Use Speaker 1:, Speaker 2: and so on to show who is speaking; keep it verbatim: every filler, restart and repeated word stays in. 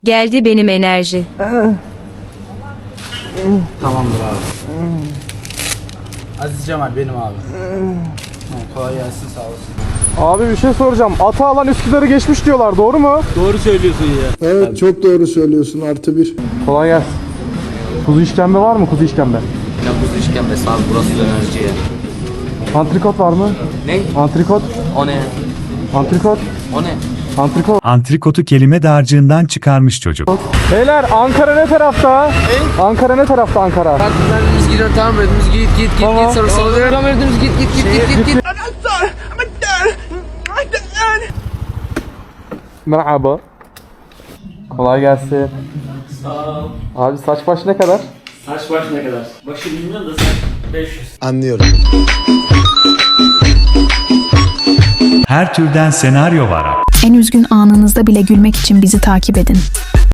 Speaker 1: Geldi benim enerji.
Speaker 2: Tamamdır abi. Aziz Cemal benim abi. Ha, kolay gelsin, sağ olsun.
Speaker 3: Abi bir şey soracağım. Ata alan Üsküdar'ı geçmiş diyorlar. Doğru mu?
Speaker 2: Doğru söylüyorsun ya.
Speaker 4: Evet çok doğru söylüyorsun, artı bir.
Speaker 3: Kolay gelsin. Kuzu işkembe var mı? Kuzu işkembe.
Speaker 5: Ya kuzu işkembesi abi, burası dönerci ya.
Speaker 3: Antrikot var mı?
Speaker 5: Ne?
Speaker 3: Antrikot.
Speaker 5: O ne?
Speaker 3: Antrikot.
Speaker 5: O ne?
Speaker 3: Antrikot.
Speaker 6: Antrikotu kelime dağarcığından çıkarmış çocuk.
Speaker 3: Beyler Ankara ne tarafta? Ankara ne tarafta Ankara?
Speaker 5: Bak biz gidiyoruz, tamam verdiniz, git git git
Speaker 3: Tamam.
Speaker 5: git, sonra sola dönelim. Tamam verdiniz, git git git git git git.
Speaker 3: Merhaba. Kolay gelsin. Sağ ol. Abi saç baş ne kadar?
Speaker 7: Saç baş ne kadar? Başı bilmiyorum da saç beş yüz.
Speaker 4: Anlıyorum.
Speaker 6: Her türden senaryo var.
Speaker 8: En üzgün anınızda bile gülmek için bizi takip edin.